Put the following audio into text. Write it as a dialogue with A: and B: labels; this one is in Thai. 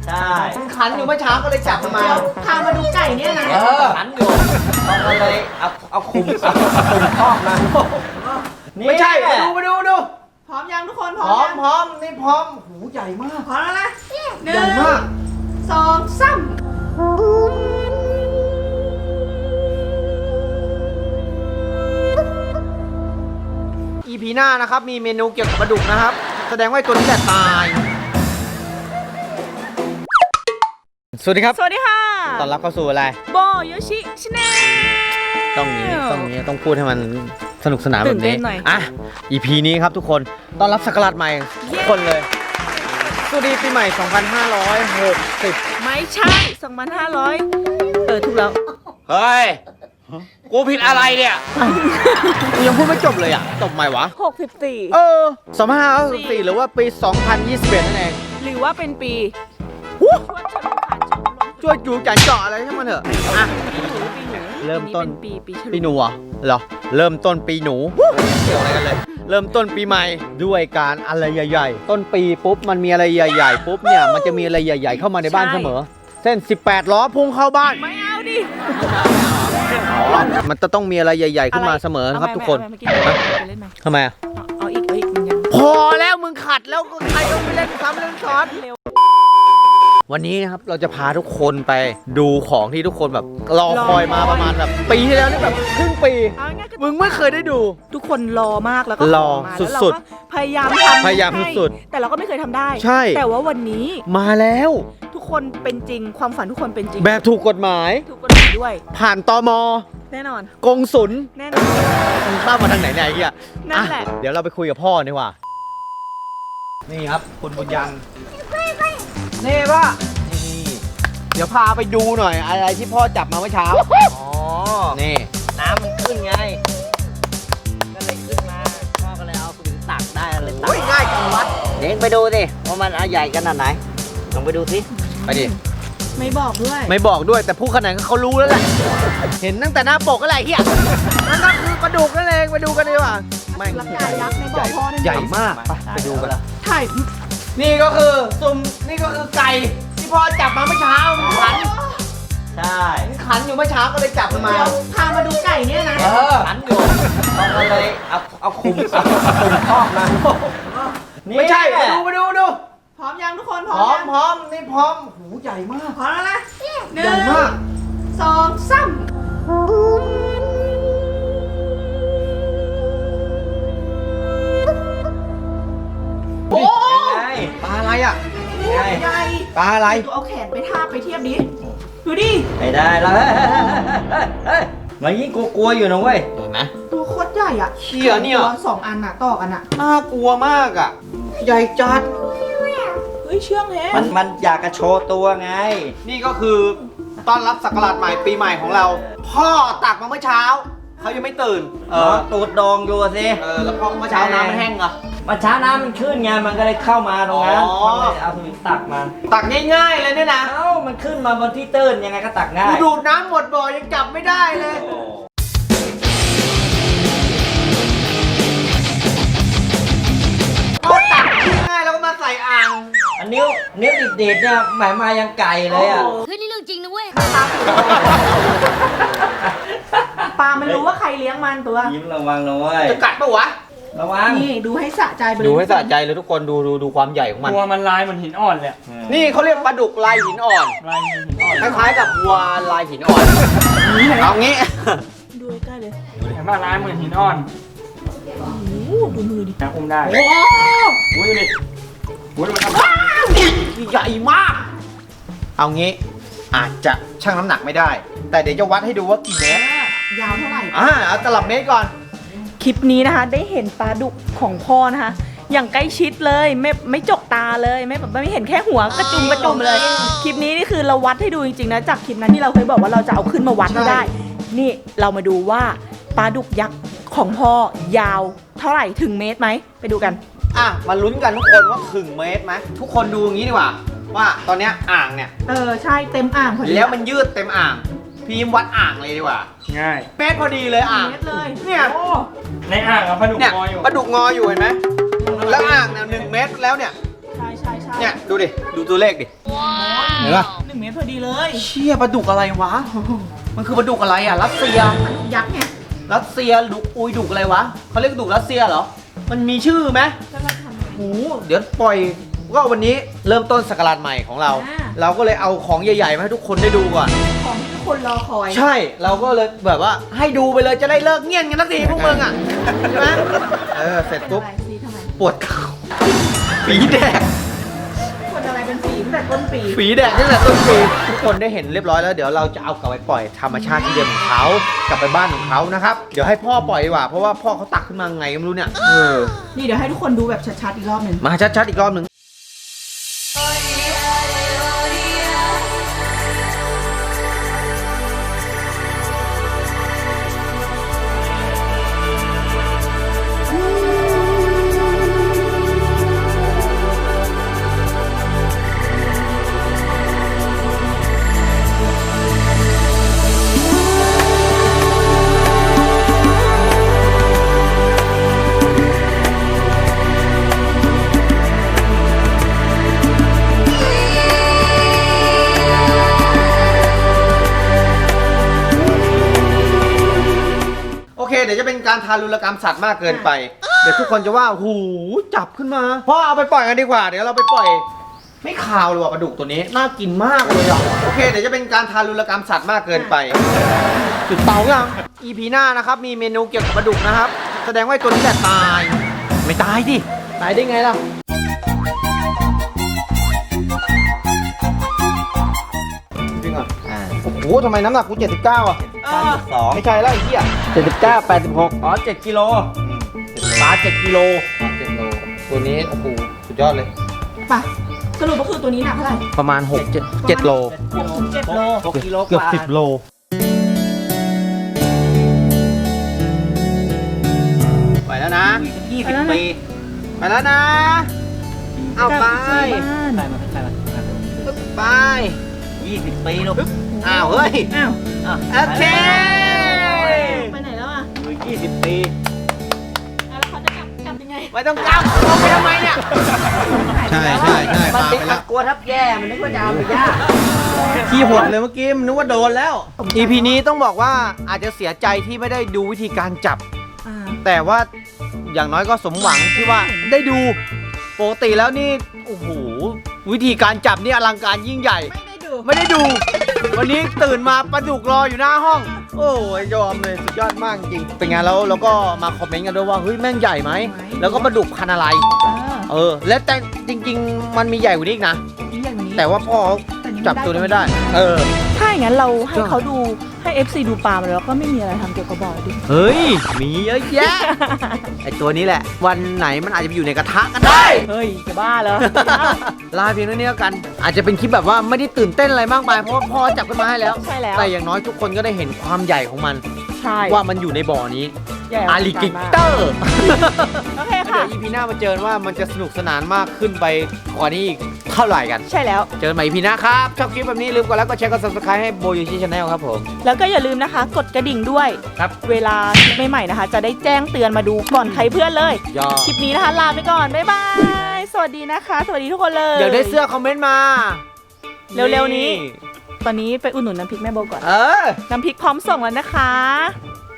A: ใช่
B: มันขันอยู่เมื่อเช้าก็เลยจับมันมา
C: พามาดูไก่เนี่ยนะ
A: ขันอยู่เราก็เลยเอาคุมครอบมา
B: ไม่ใช่มาดู
C: พร้อมยังทุกคน
B: พร้อม
C: ยัง
B: พร้อมนี่พร้อมหูใหญ่มาก
C: พร้อมแล้วนะหนึ่
B: ใหญ่
C: ง
B: มาก
C: สองสาม
B: EP หน้านะครับมีเมนูเกี่ยวกับปลาดุกนะครับแสดงว่าตัวนี้แหละตายสวัสดีครับ
C: สวัสดีค่ะ
B: ต้อนรับเข้าสู่อะไร
C: โบโยชิชแนล
B: ต้องพูดให้มันสนุกสนานแบบ
C: ตื่นเต้
B: นี้
C: นหน่อย
B: อ่ะ EP นี้ครับทุกคนต้อนรับศักราชใหม่ทุกคนเลยสวัสดีปีใหม่ 2560
C: ไม่ใช่2,500ถูกแล้ว
B: เฮ้ยกูผิดอะไรเนี่ยกูยังพูดไม่จบเลยอ่ะจบใหม่วะ
C: 64
B: 2564หรือว่าปี 2021นั่นเอง
C: หรือว่าเป็นปี
B: ช่วยจูจันเจาะอะไรให้มันเถอะอ่ะ
C: ปีหนู
B: เริ่มต้น
C: ปีฉลู
B: ปีหนูเหรอเริ่มต้นปีหนูเกี่ยวอะไรกันเลยเริ่มต้นปีใหม่ด้วยการอะไรใหญ่ๆต้นปีปุ๊บมันมีอะไรใหญ่ๆปุ๊บเนี่ยมันจะมีอะไรใหญ่ๆเข้ามาในบ้านเสมอเส้น18ล้อพุ่งเข้าบ้าน
C: ไม่เอาดิ
B: มันจะต้องมีอะไรใหญ่ๆขึ้นมาเสมอครับทุกคน
C: เอาไปเล่นไหม
B: ทำไมอะ
C: เอาอีกมันยัง
B: พอแล้วมึงขัดแล้วใครต้องไปเล่นซ้ำเล่นซ้อน
C: เร็ว
B: วันนี้นะครับเราจะพาทุกคนไปดูของที่ทุกคนแบบรอคอยมาประมาณแบบปีที่แล้วนี่แบบครึ่งปี
C: เอาง่ายๆก็
B: มึงไม่เคยได้ดู
C: ทุกคนรอมากแล้วก็
B: รอ
C: ขมาแล้วเรา
B: สุด
C: ก็พยายามทำ
B: พยายาม
C: ให้
B: สุด
C: แต่เราก็ไม่เคยทำได้
B: ใช่
C: แต่ว่าวันนี้
B: มาแล้ว
C: ทุกคนเป็นจริงความฝันทุกคนเป็นจริง
B: แบบถูกกฎหมาย
C: ทุกคนเป็นด้วย
B: ผ่านตม
C: แน่นอน
B: กงสุล
C: แน่นอน
B: มึงเข้ามาทางไหนเนี่ยไอ้เหี้ย
C: นั่นแหละ
B: อ่เดี๋ยวเราไปคุยกับพ่อดีกว่า นี่ครับคุณบุญยังนี่ป่ะนี่เดี๋ยวพาไปดูหน่อยอะไรที่พ่อจับมาเมื่อเช้า
A: อ๋อ
B: นี่
A: น้ำมันขึ้นไง ก็เลยขึ้นมาพ่อก็เลยเอาสวิงตักได้เลยตั
B: โอ้ยง่ายจังวัด
A: เด็กไปดูสิว่ามันใหญ่ขนาดไหนลองไปดูสิ
B: ไปดิ
C: ไม่บอกด้วย
B: ไม่บอกด้วยแต่ผู้ขนาดเขารู้แล้วแหละ เห็นตั้งแต่หน้าปกก็ไรเฮียนั่นก็คือปลาดุกนั่นเองไปดูกันดีกว่าแม่ง
C: ลักกายยักษ์ในบ่อพ่อนั่น
B: ใหญ่มากไปดูกัน
C: ถ่าย
B: นี่ก็คือนี่ก็คือไก่ที่พ่อจับมาเมื่อเช้ามันขัน
A: ใช่
B: มันขันอยู่เมื่อเช้าก็เลยจับมันมา
C: เดี๋ยวพามาดูไก่เนี่ยนะ
A: ขันอยู่เราก็เลยเอาคุมครอบมา
B: ไม่ใช่มาดู
C: พร้อมยังทุกคน
B: พร้อม
C: ยัง
B: พร้อมนี่พร้อมหูใหญ่มาก
C: พร้อมแล้วนะหนึ่
B: ใหญ่
C: ง
B: มาก
C: สองสาม
B: โอ้
A: ไง
B: ปลาอะไรอ่ะ
A: ไง
C: ใหญ่
B: ปลาอะไร
C: ดูเอาแขนไปทาบไปเทียบดิดูดิ
A: ไม่ได้แล้วเฮ้ยมันยิ่งกลัวๆอยู่นะเว้ย
B: เห็นไหม
C: ตัวโคตรใหญ่อ่ะ
B: เชี่ยเนี่ย
C: ตัว2 อันอ่ะต่อกันอ่ะ
B: น่ากลัวมากอ่ะ ใหญ่จัด
C: เฮ้ยเชื่องแฮะ
A: มันอยากจะโชว์ตัวไง
B: นี่ก็คือต้อนรับศักราชใหม่ปีใหม่ของเรา พ่อตักมาเมื่อเช้าเขายังไม่ตื่น
A: ตูดดองอยู่สิ
B: แล้วพ่อเมื่อเช้าน้ำมันแห้งเหรอ
A: มาช้าน้ำมันขึ้นไงมันก็เลยเข้ามาตรงนั้น
B: อ๋อ
A: มันเลยเอาสวิงตักมา
B: ตักง่ายๆเลยเนี่ยนะ
A: เอ้ามันขึ้นมาบนที่ตื้นยังไงก็ตักง่า
B: กู
A: ย
B: ดูดน้ำหมดบ่อยังจับไม่ได้เลย
A: โอ้
B: พ่อตักง่ายๆแล้วก็มาใส่อ่าง
A: อันนิ้วดีดๆเนี่ยหมายมายังไก่เลยอ่ะ
D: เฮ้ยนี่เรื่องจริงนะเว้ย
C: ปลามันรู้ว่าใครเลี้ยงมันตัว
A: ยิ้มระวังนะเว้ย
B: จะกัดปะวะ
A: ระวัง
C: นี่ดูให้สะใจไปเลย
B: ดูให้สะใจเลยทุกคนดูความใหญ่ของมัน
E: ตัวมันลายเหมือนหินอ่อนเลยอะ
B: นี่เขาเรียกปลาดุกลายหินอ่อน
E: ลายเหมือนหินอ่อน
B: คล้ายๆกับวัวลายหินอ่อน เอางี้
C: ดูใกล้ๆเลย
E: เห็นป่ะลายเหมือนหินอ่อน
C: โอ้โหดูมือดิ
E: นะอุ้มได้
B: โอ้
E: อุ้ยดูดิอุ้ยมันทำ
B: ใหญ่มาก เอางี้อาจจะชั่งน้ำหนักไม่ได้ แต่เดี๋ยวจะวัดให้ดูว่ากี่เมตร
C: ยาวเท่าไหร่
B: เอาตลับเมตรก่อน
C: คลิปนี้นะคะได้เห็นปลาดุกของพ่อนะคะ อย่างใกล้ชิดเลยไม่จกตาเลยไม่เห็นแค่หัวกระจุมเลย คลิปนี้นี่คือเราวัดให้ดูจริงๆนะจากคลิปนั้นที่เราเคยบอกว่าเราจะเอาขึ้นมาวัดให้ได้ นี่เรามาดูว่าปลาดุกยักษ์ของพ่อยาวเท่าไหร่ถึงเมตรไหมไปดูกัน
B: มาลุ้นกันทุกคนว่าถึงเมตรไหมทุกคนดูอย่างนี้ดีกว่า ว่าตอนเนี้ยอ่างเนี่ย
C: ใช่เต็มอ่างพอดี
B: แล้วมันยืดเต็มอ่าง พีมวัดอ่างเลยดีกว่า
E: ง่าย
B: เมตรพอดีเลยอ่าง
C: เมตรเลย
B: เนี่ย
C: โอ้
E: ในอ่างเอาปลาดุก
B: เนี่ย
E: งออยู่
B: ปลาดุกงออยู่เห็นไหมแล้วอ่างเนี่ย1 เมตรแล้วเนี่ย
C: ใช่
B: เนี่ยดูดิดูตัวเลขดิเห็นปะ
C: 1 เมตรพอดีเลย
B: เชี่ยปลาดุกอะไรวะ มันคือปลาดุกอะไรอ่ะรัสเซีย
C: ยักษ์ไง
B: รัสเซียดุกอุยดุกอะไรวะเขาเรียกดุกรัสเซียเหรอมันมีชื่อไหม
C: แล้วเราทำไง
B: โอ้โหเดี๋ยวปล่อยก็วันนี้เริ่มต้นศักราชใหม่ของเรา
C: อ่า
B: เราก็เลยเอาของใหญ่ๆมาให้ทุกคนได้ดูก่อน
C: ของที่ทุกคนรอคอย
B: ใช่เราก็เลยแบบว่าให้ดูไปเลยจะได้เลิกเงียบกันสักทีพวกมึงอ่ะใช่ไหมเสร็จปุ๊บ
C: เป็นอะไรสีทำไม
B: ปวดเข่าฝีแดก
C: คนอะไรเป็นสีตั้งแต่ต้นปี
B: ฝีแดกตั้งแต่ต้นปีทุกคนได้เห็นเรียบร้อยแล้วเดี๋ยวเราจะเอากลับไปปล่อยธรรมชาติที่เดิมของเขากลับไปบ้านของเขานะครับเดี๋ยวให้พ่อปล่อยดีกว่าเพราะว่าพ่อเขาตักขึ้นมาไงก็ไม่รู้เนี่ย
C: นี่เดี๋ยวให้ทุกคนดูแบบชัดๆอีกรอบหนึ่ง
B: มาชัดๆอีกรอบหนึ่งโอเคเดี๋ยวจะเป็นการทารุณกรรมสัตว์มากเกินไปเดี๋ยวทุกคนจะว่าหูจับขึ้นมาพ่อเอาไปปล่อยกันดีกว่าเดี๋ยวเราไปปล่อยไม่คาวเลยว่ะปลาดุกตัวนี้น่ากินมากเลยอ่ะโอเคเดี๋ยวจะเป็นการทารุณกรรมสัตว์มากเกินไปจุดเตายัง EP หน้านะครับมีเมนูเกี่ยวกับปลาดุกนะครับแสดงว่าตัวนี้แหละตายไม่ตายดิตายได้ไงล่ะจริงอ่ะโอ้โหทำไมน้ำหนักกู79อ่ะ
A: 2
B: ไม่ใช่แล้วไอ้เหี้ย
A: 79 86อ๋อ7กิโล
B: ปลา7กิโล7โลตัวนี้โอ้โหสุดยอดเลย
C: ป่ะสรุปก็คือตัวนี้หนักเท่าไหร่
B: ประมาณ7โล
C: 6-7 โล
A: 6กิโล
B: เกือบ
A: ว่า
B: 10 โลไปแล้วนะ
A: 20 ปี
B: ไปแล้วนะ เอาไป
A: ใส่มาใส่มา
B: ไป
A: 20 ปีลูก
B: อ้าวเฮ้ย
C: อ้าว
B: โอเค
C: ไปไหนแล้วอ่ะ
A: 20 ปี
C: แล้วเขาจะกลับยังไง
B: ไม่ต้องจับลงไปทำไมเนี่ย ใช่ใช่ใช่
A: มัน
B: ปา
A: ติด
B: ไป
A: ตะ
B: แล้ว
A: กัวทับแย่มันนึกว่าจะเอาไปย่า
B: ขี้หดเลยเมื่อกี้มันนึกว่าโดนแล้ว EP นี้ต้องบอกว่าอาจจะเสียใจที่ไม่ได้ดูวิธีการจับ
C: อ่า
B: แต่ว่าอย่างน้อยก็สมหวังที่ว่าได้ดูปกติแล้วนี่โอ้โหวิธีการจับนี่อลังการยิ่งใหญ่
C: ไม่ได้ดู
B: ไม่ได้ดู วันนี้ตื่นมาปลาดุกรออยู่หน้าห้อง โอ้ยยอมเลยสุดยอดมากจริงเป็นไงแล้วเราก็มาคอมเมนต์กันด้วยว่าเฮ้ยแม่งใหญ่ไหมแล้วก็ปลาดุกพันธุ์อะไร และแต่จริง ๆ มันมีใหญ่กว่านี้อีกนะ
C: นี่อย่างนี้
B: แต่ว่าพ่อเขาจับตัวนี้ไม่ได้
C: ถ้าอย่างนั้นเราให้เขาดูให้ FC ดูปลามาแล้วก็ไม่มีอะไรทำเกี่ยวกับบ่อดิ
B: เฮ้ยมีเยอะแยะ ไอตัวนี้แหละ วันไหนมันอาจจะไปอยู่ในกระทะก็ได้
C: เฮ้ยจะบ้าเหรอ
B: ลาเพียงเท่านี้แล้วกัน อาจจะเป็นคลิปแบบว่าไม่ได้ตื่นเต้นอะไรมากมายเพราะว่าพ่อจับขึ้นมาให้แล้ว
C: ใช่แล้ว
B: แต่อย่างน้อยทุกคนก็ได้เห็นความใหญ่ของมัน
C: ใช่
B: ว่ามันอยู่ในบ่อนี้
C: ใหญ่
B: อาลิกิเตอร์
C: โอเค
B: เดี๋
C: ค่ะ
B: ยว EP หน้ามาเจอว่ามันจะสนุกสนานมากขึ้นไปกว่านี้อีกเท่าไหร่กัน
C: ใช่แล้ว
B: เจอกันใหม่ EP หน้าครับชอบคลิปแบบนี้ลืมกดไลค์กดแชร์กด subscribe ให้โบยูชิชาแนลครับผม
C: แล้วก็อย่าลืมนะคะ กดกระดิ่งด้วย
B: ครับ
C: เวลาคลิปใหม่ๆนะคะ จะได้แจ้งเตือนมาดูก่อนใครเพื่อนเลย
B: ยอด
C: คลิปนี้นะคะ ลาไปก่อน บ๊ายบาย สวัสดีนะคะ สวัสดีทุกคนเลย
B: อยากได้เสื้อคอมเมนต์มา
C: เร็วๆนี้ ตอนนี้ไปอุดหนุนน้ำพริกแม่โบก่อน
B: เออ
C: น้ำพริกพร้อมส่งแล้วนะคะ